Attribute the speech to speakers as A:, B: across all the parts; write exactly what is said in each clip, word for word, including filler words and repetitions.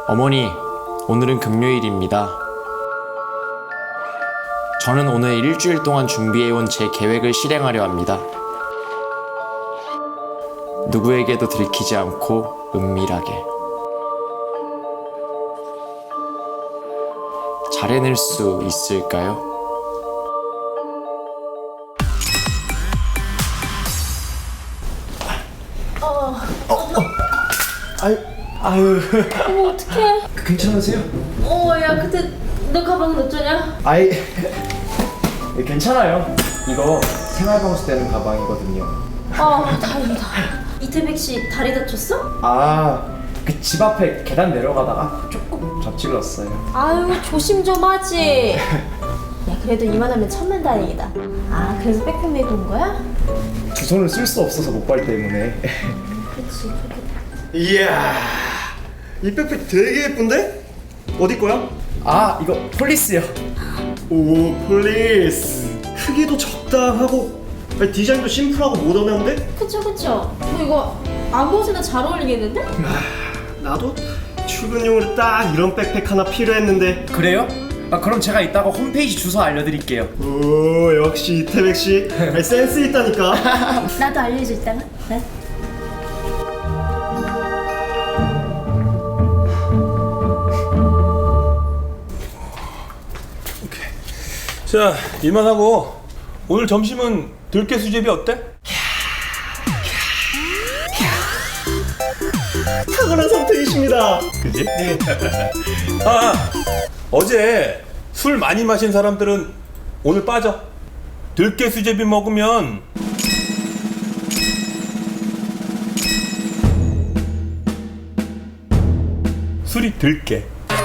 A: 어머니, 오늘은 금요일입니다. 저는 오늘 일주일 동안 준비해온 제 계획을 실행하려 합니다. 누구에게도 들키지 않고 은밀하게. 잘 해낼 수 있을까요?
B: 어,
A: 아유, 아유.
B: 어머 어떡해.
A: 괜찮으세요?
B: 어, 야, 근데 너 가방은 어쩌냐?
A: 아이, 괜찮아요. 이거 생활방수 되는 가방이거든요.
B: 아, 다행이다. 이태백 씨 다리 다쳤어?
A: 아, 그 집 앞에 계단 내려가다가 조금 접질렀어요.
B: 아유, 조심 좀 하지. 야, 그래도 이만하면 천만 다행이다. 아, 그래서 백팩 메고 온 거야?
A: 두 손을 쓸 수 없어서 목발 때문에.
B: 그치, 그렇게.
C: 이야, 이 백팩 되게 예쁜데? 어디 거야?
A: 아, 이거 폴리스요.
C: 오, 폴리스. 크기도 적당하고 아니, 디자인도 심플하고 모던한데?
B: 그쵸, 그쵸. 뭐 이거 아무 옷에나 잘 어울리겠는데?
C: 나도 출근용으로 딱 이런 백팩 하나 필요했는데.
A: 그래요? 아, 그럼 제가 이따가 홈페이지 주소 알려드릴게요.
C: 오, 역시 이태백 씨. 아니, 센스 있다니까.
B: 나도 알려줘, 이따가. 네?
D: 자, 일만 하고 오늘 점심은 들깨 수제비 어때?
C: 탁월한 선택이십니다.
D: 그지? 아, 어제 술 많이 마신 사람들은 오늘 빠져. 들깨 수제비 먹으면 술이 들깨.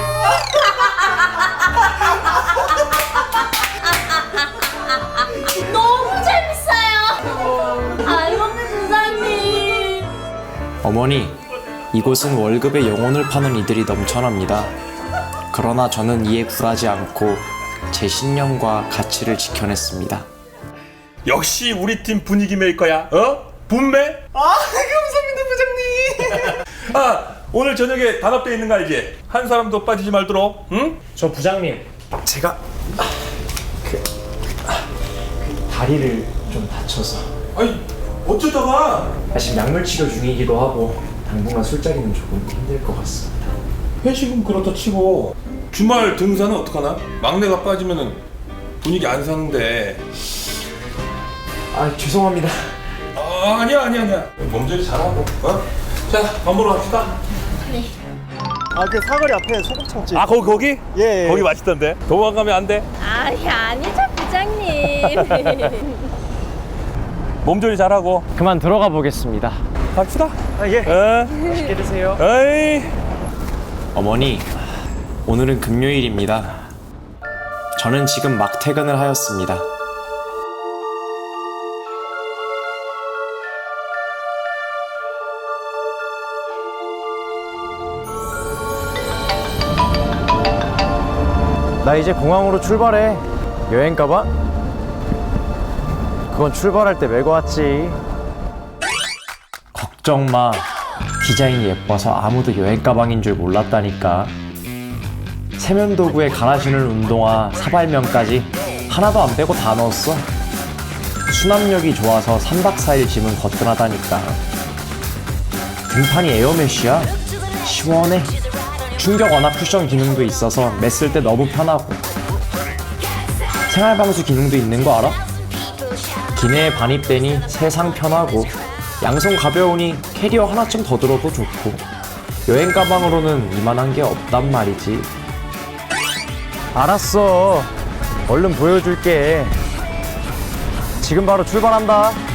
B: 너무 재밌어요. 아이고, 부장님.
A: 어머니, 이곳은 월급에 영혼을 파는 이들이 넘쳐납니다. 그러나 저는 이에 굴하지 않고 제 신념과 가치를 지켜냈습니다.
D: 역시 우리 팀 분위기 메이커야. 어? 분매?
C: 아, 감사합니다, 부장님.
D: 아, 오늘 저녁에 단합대 있는 거 알지? 한 사람도 빠지지 말도록. 응?
A: 저 부장님, 제가 그, 다리를 좀 다쳐서
D: 아니, 어쩌다가
A: 지금 약물 치료 중이기도 하고 당분간 술자리는 조금 힘들 것 같습니다.
D: 회식은 그렇다 치고 주말 등산은 어떡하나? 막내가 빠지면은 분위기 안 사는데.
A: 아, 죄송합니다.
D: 아, 아니야 아니야 아니야. 몸조리 잘하고. 어? 자, 밥 먹으러 갑시다.
C: 아, 그 사거리 앞에 소금창집.
D: 아, 거기 거기?
C: 예, 예.
D: 거기 맛있던데. 도망가면 안 돼.
B: 아니, 아니죠, 부장님.
D: 몸조리 잘하고
A: 그만 들어가 보겠습니다.
D: 갑시다.
C: 아, 예.
D: 어?
A: 맛있게 드세요.
D: 에이.
A: 어머니, 오늘은 금요일입니다. 저는 지금 막 퇴근을 하였습니다.
E: 나 이제 공항으로 출발해. 여행 가봐? 그건 출발할 때 메고 왔지.
A: 걱정 마. 디자인이 예뻐서 아무도 여행 가방인 줄 몰랐다니까. 세면도구에 갈아 신을 운동화, 사발면까지 하나도 안 빼고 다 넣었어. 수납력이 좋아서 삼 박 사 일 짐은 거뜬하다니까. 등판이 에어메쉬야. 시원해. 충격 완화 쿠션 기능도 있어서 맸을 때 너무 편하고. 생활방수 기능도 있는 거 알아? 기내에 반입되니 세상 편하고, 양손 가벼우니 캐리어 하나쯤 더 들어도 좋고, 여행 가방으로는 이만한 게 없단 말이지.
E: 알았어. 얼른 보여줄게. 지금 바로 출발한다.